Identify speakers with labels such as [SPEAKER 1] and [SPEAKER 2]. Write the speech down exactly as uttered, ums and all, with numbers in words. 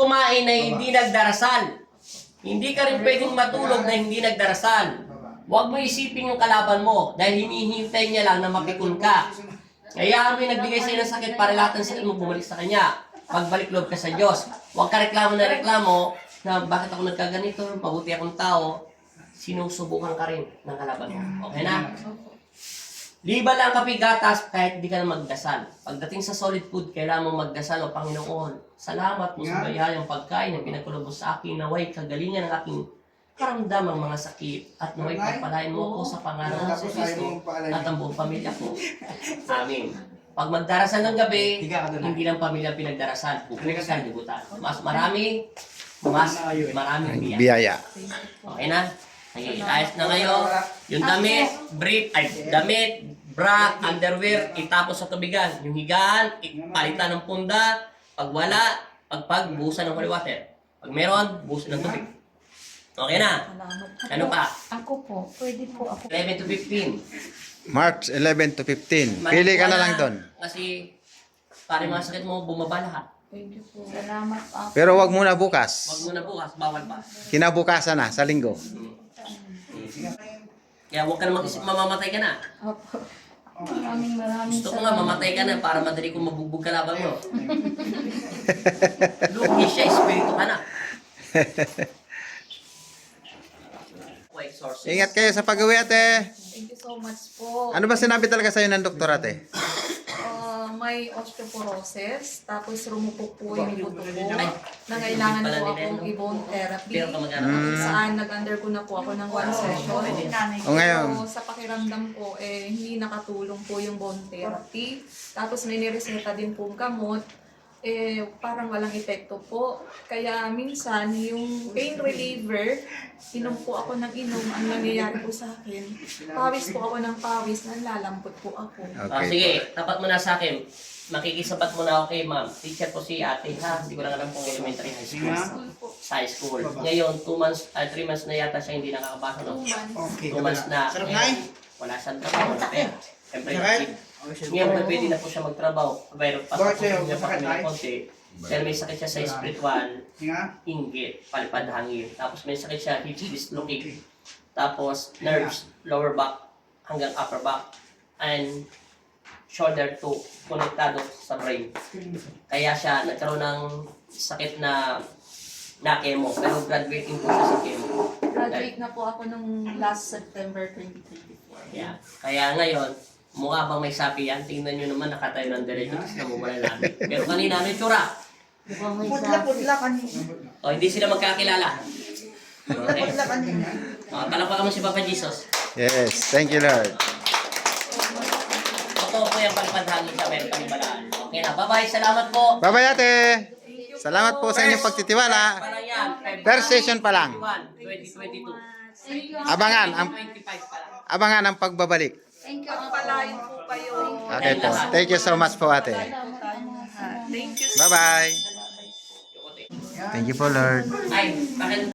[SPEAKER 1] kumain na hindi nagdarasal. Hindi ka rin pwedeng matulog na hindi nagdarasal. Huwag mo isipin yung kalaban mo dahil hinihintay niya lang na mapikon ka. Kaya may nagbigay sa'yo ng sakit para lahat ng sakit mo bumalik sa Kanya. Pagbalik loob ka sa Diyos. Huwag ka reklamo na reklamo na bakit ako nagkaganito, mabuti akong tao. Sinusubukan ka rin ng kalaban mo. Okay na? Liba lang kapigatas kahit hindi ka na magdasal. Pagdating sa solid food, kailangan mo magdasal o Panginoon. Salamat mo sa bayayang pagkain na pinagkulob mo sa akin. Naway kagalingan ng aking karamdamang mga sakit at naway pagpalain mo ako sa pangalan ng Kristo at ang buong pamilya ko. Amin. Pag magdarasal ng gabi, hindi lang pamilya pinagdarasal. Pupunta sa libutan. Mas marami, mas maraming biyaya.
[SPEAKER 2] Biyaya.
[SPEAKER 1] Okay na? Okay, ayos na ngayon. Yung damit, brief, ay damit, bra, underwear, itapos sa tubigan. Yung higaan, palitan ng punda. Pag wala, pagpag, buhusan ng holy water. Pag meron, buhusan ng tubig. Okay na? Ano pa?
[SPEAKER 3] Ako po, pwede po ako.
[SPEAKER 1] eleven to fifteen.
[SPEAKER 2] March eleven to fifteen. Pili ka na lang doon.
[SPEAKER 1] Kasi, pare mga sakit mo, bumaba lahat.
[SPEAKER 3] Thank you po. Salamat po.
[SPEAKER 2] Pero wag muna bukas.
[SPEAKER 1] Wag mo na bukas, bawal pa.
[SPEAKER 2] Kinabukasan na, sa linggo.
[SPEAKER 1] Kaya huwag ka na mag-isip, mamamatay ka na.
[SPEAKER 3] Opo. Maraming maraming
[SPEAKER 1] Gusto ko nga, mamatay ka na para madali kong mabugbog kalaban mo. Lugi siya, espiritu ka na. Wait, sources.
[SPEAKER 2] Ingat kayo sa pag-uwi, ate.
[SPEAKER 3] Thank you so much po.
[SPEAKER 2] Ano ba sinabi talaga sa'yo ng doktor, ate?
[SPEAKER 3] Uh, may osteoporosis, tapos rumupok po yung buto ko. Nangailangan po akong i-bone therapy.
[SPEAKER 1] Pero ka mag-anak.
[SPEAKER 3] Kung saan nag-undergo na po ako ng one session.
[SPEAKER 2] O ngayon,
[SPEAKER 3] So, sa pakiramdam ko, eh, hindi nakatulong po yung bone therapy. Tapos may nireseta din po gamot. Eh, parang walang epekto po. Kaya minsan, yung pain reliever, inom po ako ng inom. Ang nangyayari po sa akin, pawis po ako ng pawis, nanlalambot po ako.
[SPEAKER 1] Ah,
[SPEAKER 2] okay.
[SPEAKER 1] sige, tapat mo na sa akin. Makikisabat mo na ako kay ma'am. Teacher po si ate, ha? Hindi ko lang alam kung elementary high school. Sa high school. Ngayon, two months, uh, three months na yata siya hindi nakakabasa, no?
[SPEAKER 3] Two months.
[SPEAKER 1] Two months na.
[SPEAKER 4] Sarap
[SPEAKER 1] eh,
[SPEAKER 4] na eh.
[SPEAKER 1] Wala siyang trabaho na pera. Siyempre,
[SPEAKER 4] Sakit?
[SPEAKER 1] ngayon, na pwede na po siya magtrabaho. Pero
[SPEAKER 4] Bakit
[SPEAKER 1] pasok
[SPEAKER 4] sa'yo?
[SPEAKER 1] niya pa kami
[SPEAKER 4] Masakit,
[SPEAKER 1] ng
[SPEAKER 4] ay?
[SPEAKER 1] konti. Dahil may sakit siya sa spiritual,
[SPEAKER 4] Nga?
[SPEAKER 1] inggit, palipad hangin. Tapos may sakit siya, hip dislocate. Tapos nerves, lower back hanggang upper back. And shoulder to konektado sa brain. Kaya siya nagkaroon ng sakit na na chemo. Pero graduating po siya sa chemo.
[SPEAKER 3] Graduate na po ako nung last September twenty twenty-four.
[SPEAKER 1] Yeah. Kaya ngayon, mukha bang may sapi yan? Tingnan nyo naman, nakatayo ng diretso, tapos namumula namin. Pero kanina, ano yung tsura?
[SPEAKER 4] Putla-putla kanina.
[SPEAKER 1] O, hindi sila magkakilala. Okay.
[SPEAKER 4] Putla kanina.
[SPEAKER 1] O, palakpakan mo si Papa Jesus.
[SPEAKER 2] Yes, thank you, Lord.
[SPEAKER 1] Totoo po yung pagpadhangin sa meron kami balaan. Okay na, bye-bye. Salamat po.
[SPEAKER 2] Bye-bye, ate. Salamat po sa inyong pagtitiwala.
[SPEAKER 1] Para yan.
[SPEAKER 2] First session pa lang.
[SPEAKER 1] twenty twenty-two.
[SPEAKER 2] Abangan ang
[SPEAKER 1] twenty-five pa lang.
[SPEAKER 2] abangan ang pagbabalik.
[SPEAKER 3] Thank you. Pagpalain po kayo.
[SPEAKER 2] Okay po. Thank you so much po, ate.
[SPEAKER 3] Thank you.
[SPEAKER 2] Bye-bye. Thank you po, Lord.
[SPEAKER 1] Ay, bakit